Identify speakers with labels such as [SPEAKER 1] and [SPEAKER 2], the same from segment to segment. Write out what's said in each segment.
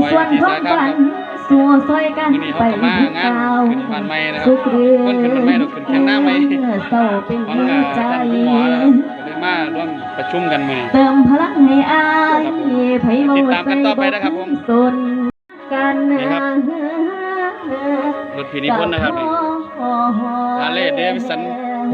[SPEAKER 1] ส่วนของฝันสู่ซอยกันไปถึงเก่าสุขเรืองเศร้าเป็นหัวใจ
[SPEAKER 2] มาร่วมประชุมกันมื้อนี้
[SPEAKER 1] เติมพลังให้อายไผเมาใจบ่สนกัน
[SPEAKER 2] รถพินิพนธ์นะครับนี่ฮาร์เลย์เดวิสัน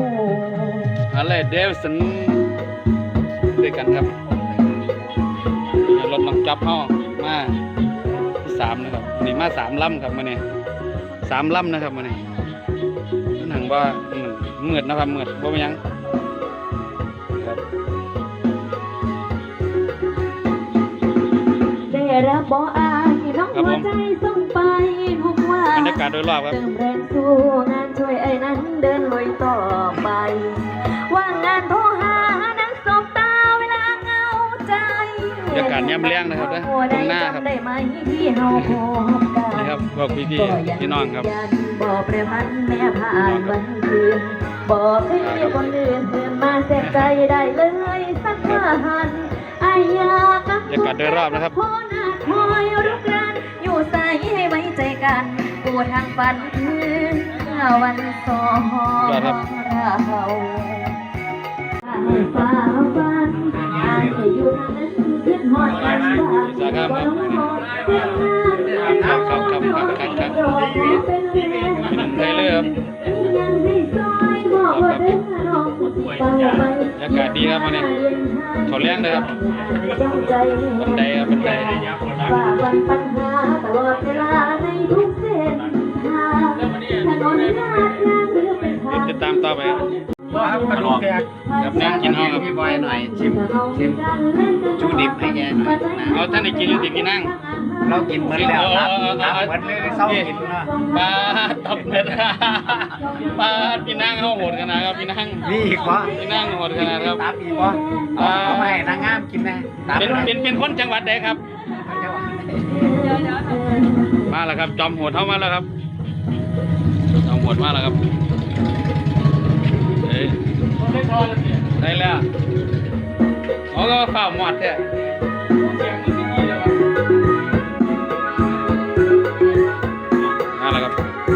[SPEAKER 2] ด้วยกันครับรถน้องจับเฮามาที่3นะครับนี่มา3ลำครับมื้อนี้3ลำนะครับมื้อนี้หนังว่ามืดนะครับมืดบ่เป็นหยังครับ
[SPEAKER 1] ได้รับบ่อายน้องหัวใจส่งไปทุกวัน
[SPEAKER 2] บรรยากาศโดยรอบครับ
[SPEAKER 1] เติมแรงสู้งานช่วยไอ้นั้นเดินลุยต่อไปว่างงานโทรหานั้นสบตาเวลาเงาใจ
[SPEAKER 2] บรรยากาศแย้มเลี้ยงนะครับนะตรงหน้าครับ
[SPEAKER 1] ได้ไหมที่เฮาพบกัน
[SPEAKER 2] นี่ครับพวกพี่น้องครับ
[SPEAKER 1] บอกเปรพันแม่ผ่านวันคืนบอกให้คนอื่นเพื่อนมาแสบใจได้เลยสักวันอายาก
[SPEAKER 2] บรรยากาศโดยรอบนะครับ
[SPEAKER 1] คอยรุกรานอยู่ใส่ให้ไว้ใจกันกูทางฝันคือวันสองเราฟ้าฟันอายจะอยู่ทางนั้นขึ้นหอดกันบ้างบ่ต้องหอดเพื่อน
[SPEAKER 2] ได้เลยครับบรรยากาศดีครับวันนี้เขาเลี้ยงเลยครับบันไดครับบันได
[SPEAKER 1] ฝ่าฟันปัญหาตลอดเวลาในทุกเส้นทางถนนลาดยางหรือเป็นทาง
[SPEAKER 2] ติดตามต่อไปครับครับนั่งกินห้องครับ
[SPEAKER 3] พี่บอยหน่อยชิมชูดิบให้แกหน่อย
[SPEAKER 2] เอาท่านได้กินอยู่ติดกินนั่ง
[SPEAKER 3] เรากินเหมือนแล้วครับเหมือนเลยเศร้ากินนะ
[SPEAKER 2] ปลาตับเม็ดปลาพี่นั่งเขาโหดขนาดครับพี่นั่ง
[SPEAKER 3] มีอีกวะ
[SPEAKER 2] พี่นั่งโหดขนาดครับ
[SPEAKER 3] ตับอีกวะเอาไปนางงามกินนะ
[SPEAKER 2] เป็นคนจังหวัดใดครับมาแล้วครับจอมโหดเข้ามาแล้วครับจอมโหดมาแล้วครับได้แล้วเขาก็ฝ่าหมดเนี่ยนั่นแหละครับ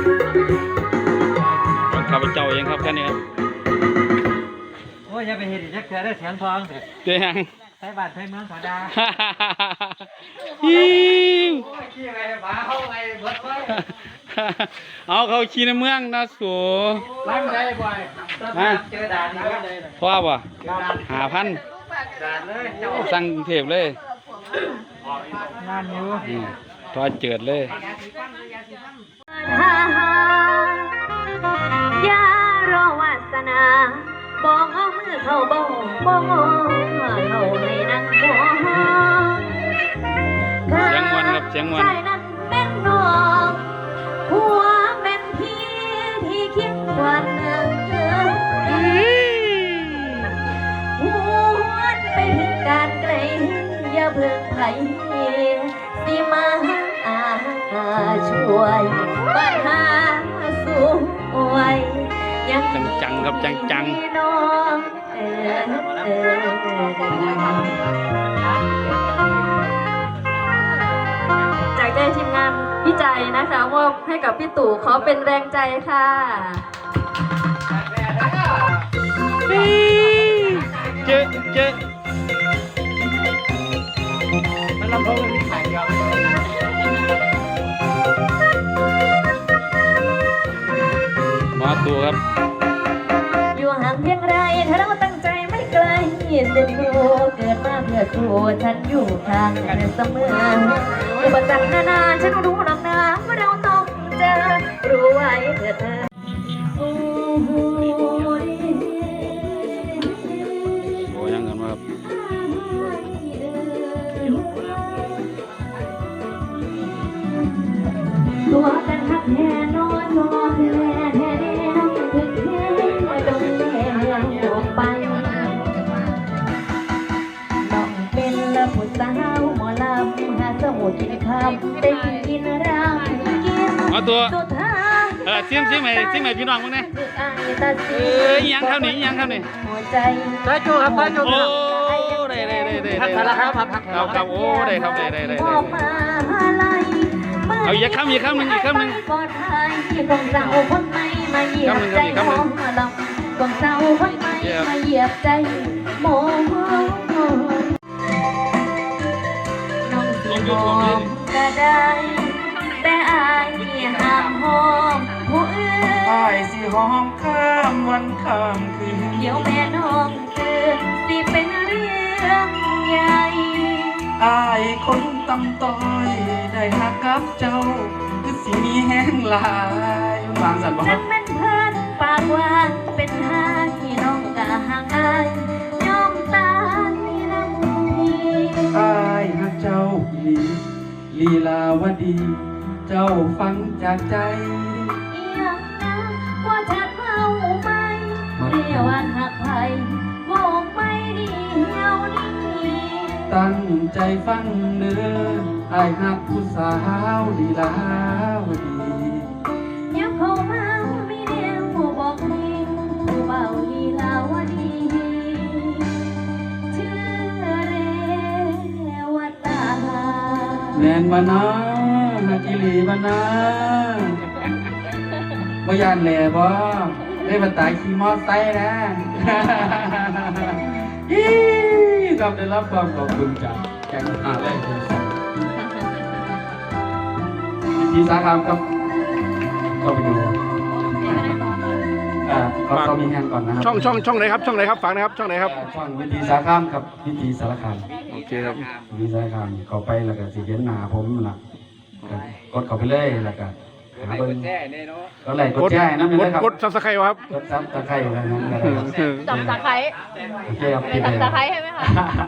[SPEAKER 2] ต้องขับไปเจ้าเองครับแค่นี้ครับ
[SPEAKER 3] โอ้ยอย่าไปเห็นยักษ์เได้แสนทองเถอะ
[SPEAKER 2] เจียง
[SPEAKER 3] ใช้บัตรใช้เมืองขอดา
[SPEAKER 2] เอาเขาขี่ในเมืองนะสู
[SPEAKER 3] ร้านได้บ่อยเจอด่านนี้ก็เลย
[SPEAKER 2] พ่อป่ะ5,000สั่งเทพเลย
[SPEAKER 3] งานอยู่
[SPEAKER 2] ทอดเจิดเลย
[SPEAKER 1] อย่ารอวาสนาบอกเอามือเข้าบ่เข้าในนั้นบ่
[SPEAKER 2] เสียงมวนครับเสียงมวน
[SPEAKER 1] ใจนั้นเป็นน้องหัวเป็นพี่ที่คิดวันหนึ่งหวนไปถึงการไกลอย่าเพิ่งไผสิมาช่วยปัญหาสู้ไว้ยัง
[SPEAKER 2] จังครับจัง
[SPEAKER 1] น้องจากใจทีมงานพี่ใจนะคะมอบให้กับพี่ตู่ขอเป็นแรงใจค่ะ
[SPEAKER 2] เจ๊
[SPEAKER 3] มันลำโพงนี่ขายเดียว
[SPEAKER 2] มาตัวครับ
[SPEAKER 1] อยู่ห่างเพียงไรถ้าเราตั้งใจไม่ไกลเส้นกูเกิดมาเพื่อสู้ฉันอยู่ข้างกันเสมออุปสรรคนานาฉันรู้หรอกนะว่าเราต้องเจอรู้ไว้เถิดเธอ
[SPEAKER 2] โอ้ยังกันครับ
[SPEAKER 1] ตัวกันทักแท้นอนแท้น้องถึงแท้ตรงแท้ออกไปน้องเป็นละผู้สาวหมอลำหาสมุดกินคำได้กินรำกิน
[SPEAKER 2] มาตัว
[SPEAKER 1] สุดท้าย
[SPEAKER 2] ซิมไหมพี่น้องมึงเนี่ยยังเท่านี้
[SPEAKER 1] ใจ
[SPEAKER 3] จูครับจู
[SPEAKER 2] โอ้ได้
[SPEAKER 3] พักแล้วครับ
[SPEAKER 2] ครับโอ้ได้ครับได้
[SPEAKER 1] ออกมาลา
[SPEAKER 2] เอาอีกคำหนึ่งอีกคำหนึ่ง
[SPEAKER 1] ปลอดภัยของเราคนใหม่มาเหยียบใจหมอลำของเราคนใหม่มาเหยียบใจหมอน้องสิหอมก็ได้แต่อายห้ามหอมผู้อื่น
[SPEAKER 4] อายสิหอมข้ามวันข้ามคืน
[SPEAKER 1] เดี๋ยวแม่น้องตื่นสิเป็นเรื่องใหญ่
[SPEAKER 4] อายคนตำต้อยได้หักกับเจ้าคือสิมีแห้งหลายวางสันบ่ค
[SPEAKER 1] จั
[SPEAKER 4] รับ
[SPEAKER 1] งเป็นเพื่อนปากหวานเป็นหาที่น้องกะห่างอายยอมตายน้ำพี่
[SPEAKER 4] อายหักเจ้าอีหลีลีลาวดี เจ้าฟังจากใจ
[SPEAKER 1] อีหยังนะว่าชัดเมาไหมเรียกว่าหักไผ่บอกไม่ดีเหี่ยวนี้
[SPEAKER 4] ตั้งใจฟังเนื้ออายหักผู้สาวลีลาวดี
[SPEAKER 1] ยับเข้ามามีเดียวผู้บอกให้ผู้เบาลีลาวดีชื่อเรวตา
[SPEAKER 4] แมนบานาฮักกิลีบานาบ่ยานแหล่บ่ได้มาตายขี่มอไซค์นะ ฮีครับได้รับความขอบคุณจากแกงหาแรกคุณสัตว์พิธีสาขามครับก็ไปดูเขามีแฮงก่อนนะครับ
[SPEAKER 2] ช่องไหนครับช่องไหนครับฝากนะครับช่องไหนครับ
[SPEAKER 4] ช่องวิธีสาขามครับวิธีสารคาม
[SPEAKER 2] โอเคครับ
[SPEAKER 4] วิธีสารคามเขาไปแล้วก็สิเห็นหน้าผมล่ะกดเข้าไปเลยแล้วก็หาเบิ่งก็ไลค์กดแชร์ให้นำเลยครับ
[SPEAKER 2] กดซับสไครต์ครับ
[SPEAKER 4] กดซับตะไคร้อะไรนั้นก็ได้ครับ
[SPEAKER 1] จับตะไคร้
[SPEAKER 4] โอเคครับ
[SPEAKER 1] จับตะไคร้ใช่ไหมคะ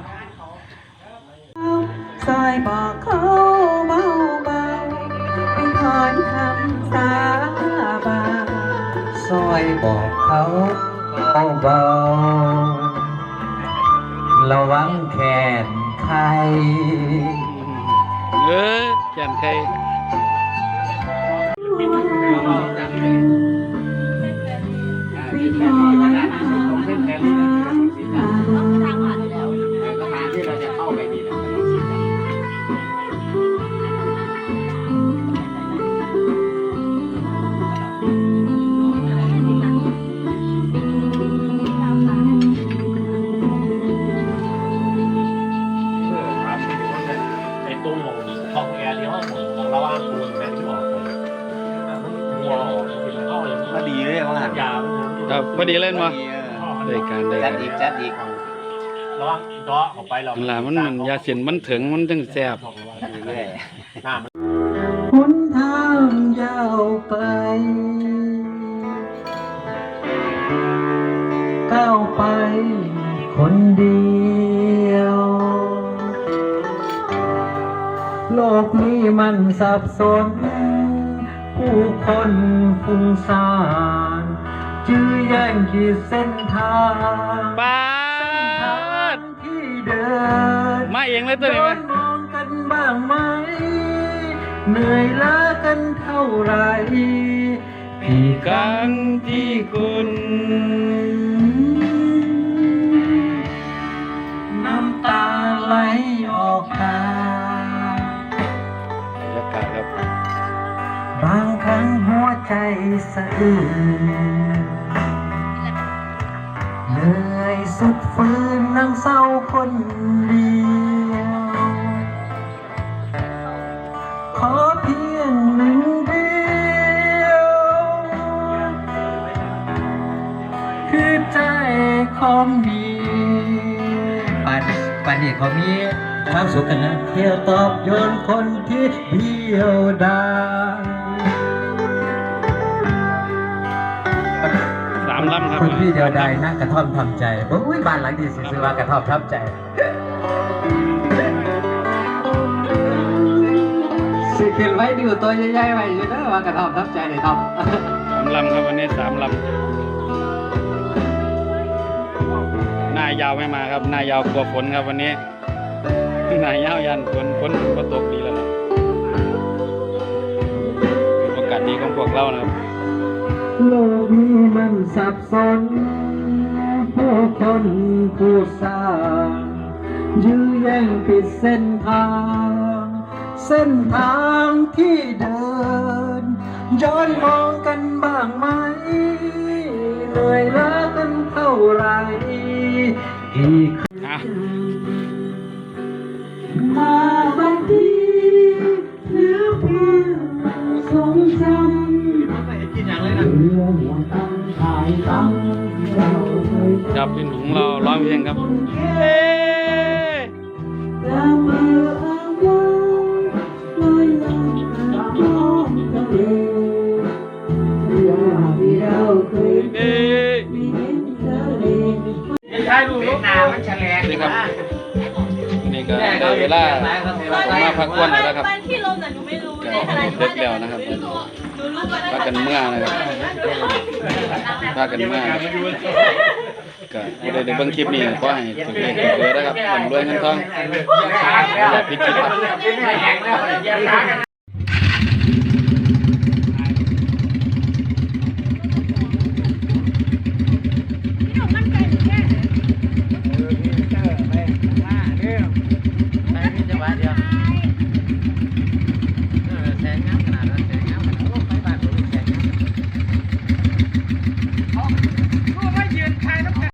[SPEAKER 5] ซอยบอกเขาเบาเบาๆเป็นถอนคำสาบานซอยบอกเขาเบาๆระวังแขนใคร
[SPEAKER 2] แกนใคร
[SPEAKER 6] ไอ้ตู้หมองทองแอร์ที่ห้องหมองของเราอ้างปูนแม่ที่ออกไปหัวออกเป็นเข้าเลย
[SPEAKER 3] ก็ดีเลยว่า
[SPEAKER 6] ยา
[SPEAKER 2] ครับพอดีเล่นมาได้การได้
[SPEAKER 3] จั
[SPEAKER 2] กา
[SPEAKER 3] ด
[SPEAKER 2] ร
[SPEAKER 3] อีกจัดอีก
[SPEAKER 6] ระวังเจาะออกไปเรา
[SPEAKER 2] นั่นล่ะมันยาเสียนมันถึงมันจังแซ่บ
[SPEAKER 3] เรื่อย
[SPEAKER 6] หน้ามัน
[SPEAKER 5] หนทางยาวไกลก้าวไปคนเดียว โลกนี้มันสับสน ผู้คนฟุ้งซ่านจื้อแย่งขีดเส้นทาง
[SPEAKER 2] ปาด
[SPEAKER 5] ที่เดิน
[SPEAKER 2] มาเองเลยตัวนี้ไหม
[SPEAKER 5] โดนมองกันบ้างไหม เหนื่อยล้ากันเท่าไหรกี่ครั้งที่คุณน้ำตาไหลออกตา
[SPEAKER 2] บรรยากาศครับ
[SPEAKER 5] บางครั้งหัวใจสะอื้นเหนื่อยสุดฝืนนั่งเศร้าคนเดียว ขอเพียงหนึ่งเดียว คือใจของดีปันนี่เขามีความสุขกันนะเที่ยวตอบโยนคนที่เดียวดาย
[SPEAKER 2] 3ลำครับ
[SPEAKER 5] คนที่เดียวดายนั่งกระท่อมทำใจโอ้ยบ้านหลังดีซื้อมากระท่อมทำใจสิขึ้นไว้ดูตัวใหญ่ๆไว้อยู่นะว่ากระท่อมทำใจเลยครับ
[SPEAKER 2] 3ลำครับวันนี้3ลำหน้ายาวไม่มาครับหน้ายาวกลัวฝนครับวันนี้หน้ายาวยันฝนก็ตกดีแล้วนะโอกาสดีของพวกเรานะครับ
[SPEAKER 5] โลกนี้มันสับสน ผู้คนผู้สร้างยื้อแย่งผิดเส้นทางเส้นทางที่เดินย้อนมองกันบ้างไหมเหนื่อยล้ากันเท่าไรกี่
[SPEAKER 2] อ่ะ
[SPEAKER 5] มาบางทีเหลือเพียงทรงจำ
[SPEAKER 3] ไม่เห็นกินอย่างเลยนะ
[SPEAKER 5] เรือหัวตั้งขายตั้งเราเคย
[SPEAKER 2] ครับพี่หนุ่มเราร้องเพลงครับ
[SPEAKER 5] ตามเรืออ้างว้างลอยลำน้ำทะเลเรือที่เราเคยเดินมีเห็นทะเล
[SPEAKER 3] ใช่ดูลูกนามันแฉลง
[SPEAKER 2] นี่ครับนี่ก็ได้เวลามาพักผ่อนแล้วครับ
[SPEAKER 1] บ้านที่ลมน่ะหนูไม่รู้
[SPEAKER 2] ก็
[SPEAKER 1] ในขณะ
[SPEAKER 2] เด็กแล้วนะครับพากันเมื่อนะครับพากันเมื่อก็ไม่ได้เบิ่งคลิปนี้ก็ให้ถึงเองถึงเบอร์นะครับร่ำรวยเงินทองอย่าพิดคิดครับ